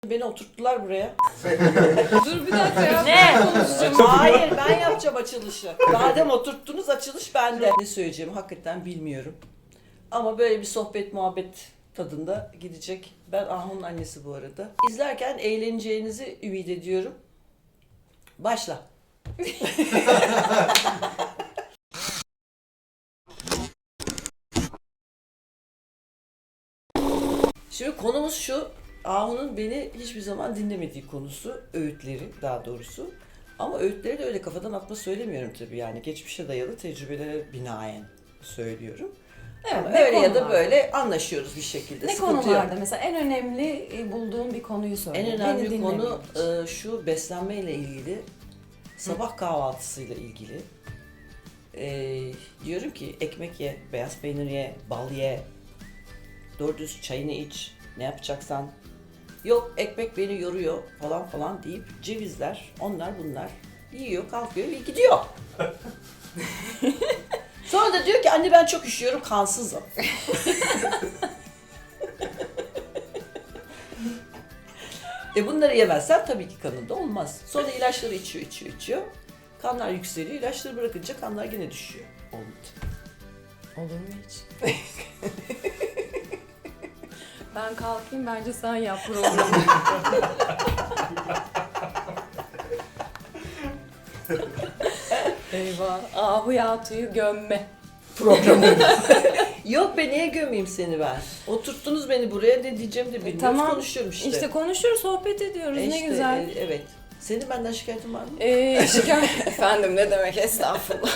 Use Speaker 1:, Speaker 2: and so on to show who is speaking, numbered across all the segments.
Speaker 1: Beni oturttular buraya.
Speaker 2: Dur bir dakika ya.
Speaker 1: Ne? Hayır, ben yapacağım açılışı. Madem oturttunuz, açılış bende. Ne söyleyeceğimi hakikaten bilmiyorum. Ama böyle bir sohbet muhabbet tadında gidecek. Ben Ahun'un annesi bu arada. İzlerken eğleneceğinizi ümit ediyorum. Başla. Şimdi konumuz şu. Ahun'un beni hiçbir zaman dinlemediği konusu. Öğütleri daha doğrusu. Ama öğütleri de öyle kafadan atma söylemiyorum tabii yani. Geçmişe dayalı tecrübelere binaen söylüyorum.
Speaker 2: Evet,
Speaker 1: Ama öyle ya da böyle anlaşıyoruz bir şekilde.
Speaker 2: Ne
Speaker 1: Sıkıntı
Speaker 2: konularda
Speaker 1: yok.
Speaker 2: mesela en önemli bulduğun bir konuyu söyle.
Speaker 1: En
Speaker 2: Beni
Speaker 1: önemli konu
Speaker 2: dinlemeyin.
Speaker 1: şu beslenmeyle ilgili, sabah kahvaltısıyla ilgili. Diyorum ki ekmek ye, beyaz peynir ye, bal ye, doğru düz çayını iç, ne yapacaksan. Yok ekmek beni yoruyor falan falan deyip cevizler, onlar bunlar yiyor, kalkıyor ve gidiyor. Sonra da diyor ki anne ben çok üşüyorum, kansızım. Bunları yemezsen tabii ki kanında olmaz. Sonra ilaçları içiyor. Kanlar yükseliyor, ilaçları bırakınca kanlar yine düşüyor. Olmadı.
Speaker 2: Olur mu hiç? Ben kalkayım, bence sen yap programı. Eyvah. Ahu Yatu'yu gömme.
Speaker 1: Programı. Yok be niye gömeyim seni ben? Oturttunuz beni buraya ne diyeceğimi de bilmiyorum.
Speaker 2: Tamam.
Speaker 1: Konuşuyorum işte.
Speaker 2: İşte konuşuyoruz, sohbet ediyoruz. Ne
Speaker 1: İşte,
Speaker 2: güzel.
Speaker 1: evet. Senin benden şikayetin var mı?
Speaker 2: Şikayet... Efendim ne demek, estağfurullah.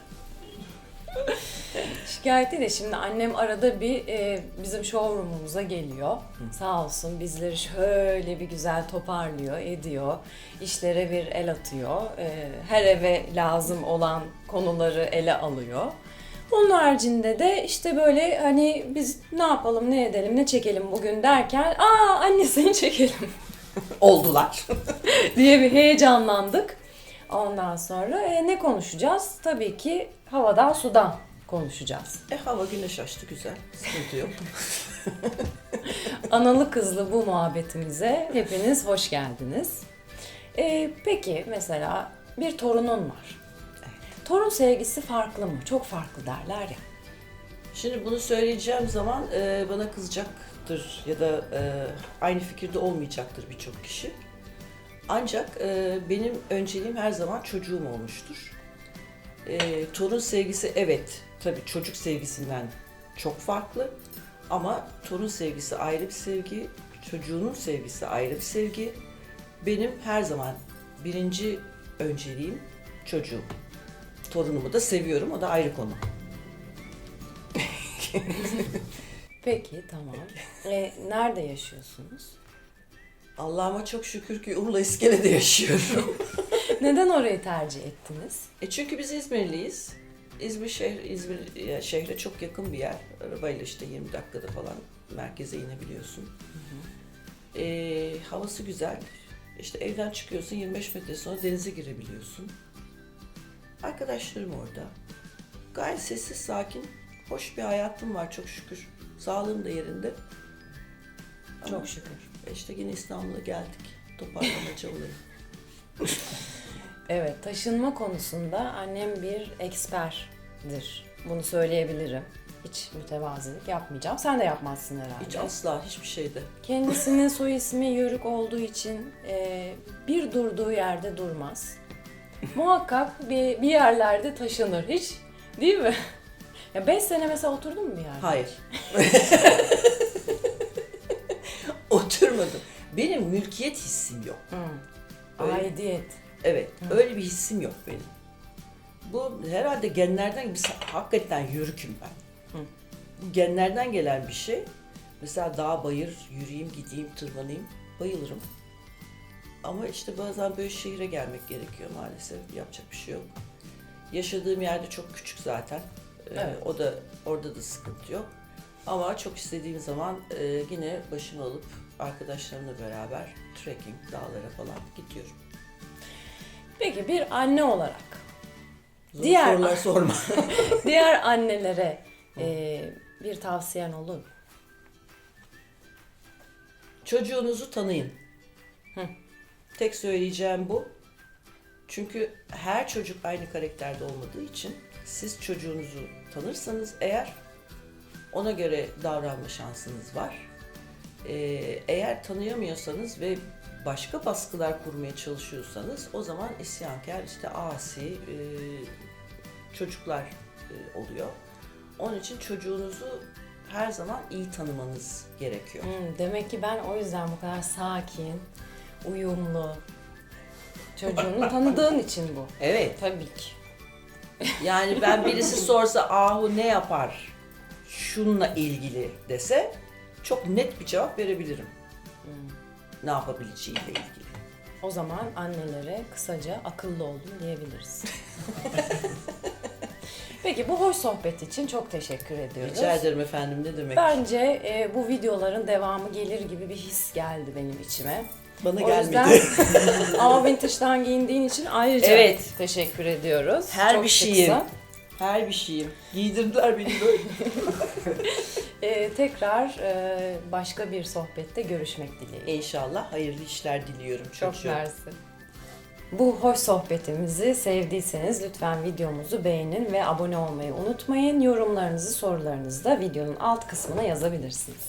Speaker 2: Şikayet değil de şimdi annem arada bir bizim showroom'umuza geliyor. Sağ olsun bizleri şöyle bir güzel toparlıyor, ediyor. İşlere bir el atıyor. Her eve lazım olan konuları ele alıyor. Onun haricinde de işte böyle hani biz ne yapalım, ne edelim, ne çekelim bugün derken annesini çekelim
Speaker 1: Oldular.
Speaker 2: diye bir heyecanlandık. Ondan sonra ne konuşacağız? Tabii ki havadan sudan konuşacağız.
Speaker 1: Hava güneş açtı güzel. Sıkıntı yok.
Speaker 2: Analı kızlı bu muhabbetimize hepiniz hoş geldiniz. Peki mesela bir torunun var. Torun sevgisi farklı mı? Çok farklı derler ya.
Speaker 1: Şimdi bunu söyleyeceğim zaman bana kızacaktır ya da aynı fikirde olmayacaktır birçok kişi. Ancak benim önceliğim her zaman çocuğum olmuştur. Torun sevgisi evet, tabii çocuk sevgisinden çok farklı. Ama torun sevgisi ayrı bir sevgi, çocuğunun sevgisi ayrı bir sevgi. Benim her zaman birinci önceliğim çocuğum. Torunumu da seviyorum, o da ayrı konu.
Speaker 2: Peki tamam. Nerede yaşıyorsunuz?
Speaker 1: Allah'ıma çok şükür ki Urla İskele'de yaşıyorum.
Speaker 2: Neden orayı tercih ettiniz?
Speaker 1: Çünkü biz İzmirliyiz. İzmir şehre çok yakın bir yer. Arabayla işte 20 dakikada falan merkeze inebiliyorsun. Havası güzel. İşte evden çıkıyorsun 25 metre sonra denize girebiliyorsun. Arkadaşlarım orada. Gayet sessiz, sakin, hoş bir hayatım var çok şükür. Sağlığım da yerinde. Ama
Speaker 2: Çok şükür.
Speaker 1: İşte yine İstanbul'a geldik. Toparlamaca olayı.
Speaker 2: Evet, taşınma konusunda annem bir eksperdir. Bunu söyleyebilirim. Hiç mütevazilik yapmayacağım. Sen de yapmazsın herhalde.
Speaker 1: Hiç asla hiçbir şeyde.
Speaker 2: Kendisinin soy ismi Yörük olduğu için bir durduğu yerde durmaz. Muhakkak bir yerlerde taşınır. Hiç değil mi? Ya 5 sene mesela oturdun mu bir yerde?
Speaker 1: Hayır. Oturmadım. Benim mülkiyet hissim yok. Öyle.
Speaker 2: Aidiyet.
Speaker 1: Evet, öyle bir hissim yok benim. Bu herhalde genlerden, hakikaten yörüküm ben. Bu genlerden gelen bir şey. Mesela dağ bayır, yürüyeyim, gideyim, tırmanayım, bayılırım. Ama işte bazen böyle şehre gelmek gerekiyor maalesef, yapacak bir şey yok. Yaşadığım yerde çok küçük zaten.
Speaker 2: Evet.
Speaker 1: Orada da sıkıntı yok. Ama çok istediğim zaman yine başımı alıp arkadaşlarımla beraber trekking, dağlara falan gidiyorum.
Speaker 2: Peki bir anne olarak
Speaker 1: Zor
Speaker 2: Diğer-
Speaker 1: sorular sorma.
Speaker 2: diğer annelere bir tavsiyen olur mu?
Speaker 1: Çocuğunuzu tanıyın. Tek söyleyeceğim bu. Çünkü her çocuk aynı karakterde olmadığı için siz çocuğunuzu tanırsanız eğer ona göre davranma şansınız var. Eğer tanıyamıyorsanız ve başka baskılar kurmaya çalışıyorsanız o zaman isyankar, işte asi çocuklar oluyor. Onun için çocuğunuzu her zaman iyi tanımanız gerekiyor.
Speaker 2: Demek ki ben o yüzden bu kadar sakin, uyumlu. Çocuğunu tanıdığın için bu.
Speaker 1: Evet.
Speaker 2: Tabii ki.
Speaker 1: Yani ben birisi sorsa Ahu ne yapar şununla ilgili dese çok net bir cevap verebilirim. Ne yapabileceğiyle ilgili.
Speaker 2: O zaman annelere kısaca akıllı oldum diyebiliriz. Peki bu hoş sohbet için çok teşekkür ediyoruz.
Speaker 1: Rica ederim efendim, ne demek.
Speaker 2: Bence bu videoların devamı gelir gibi bir his geldi benim içime.
Speaker 1: Bana
Speaker 2: O
Speaker 1: gelmedi.
Speaker 2: yüzden ama vintage'dan giyindiğin için ayrıca
Speaker 1: Evet.
Speaker 2: teşekkür ediyoruz.
Speaker 1: Her
Speaker 2: Çok
Speaker 1: bir
Speaker 2: şıksın.
Speaker 1: şeyim. Her bir şeyim. Giydirdiler beni böyle.
Speaker 2: Tekrar başka bir sohbette görüşmek dileğiyle.
Speaker 1: İnşallah hayırlı işler diliyorum
Speaker 2: Çok
Speaker 1: çocuğum.
Speaker 2: mersi. Bu hoş sohbetimizi sevdiyseniz lütfen videomuzu beğenin ve abone olmayı unutmayın. Yorumlarınızı, sorularınızı da videonun alt kısmına yazabilirsiniz.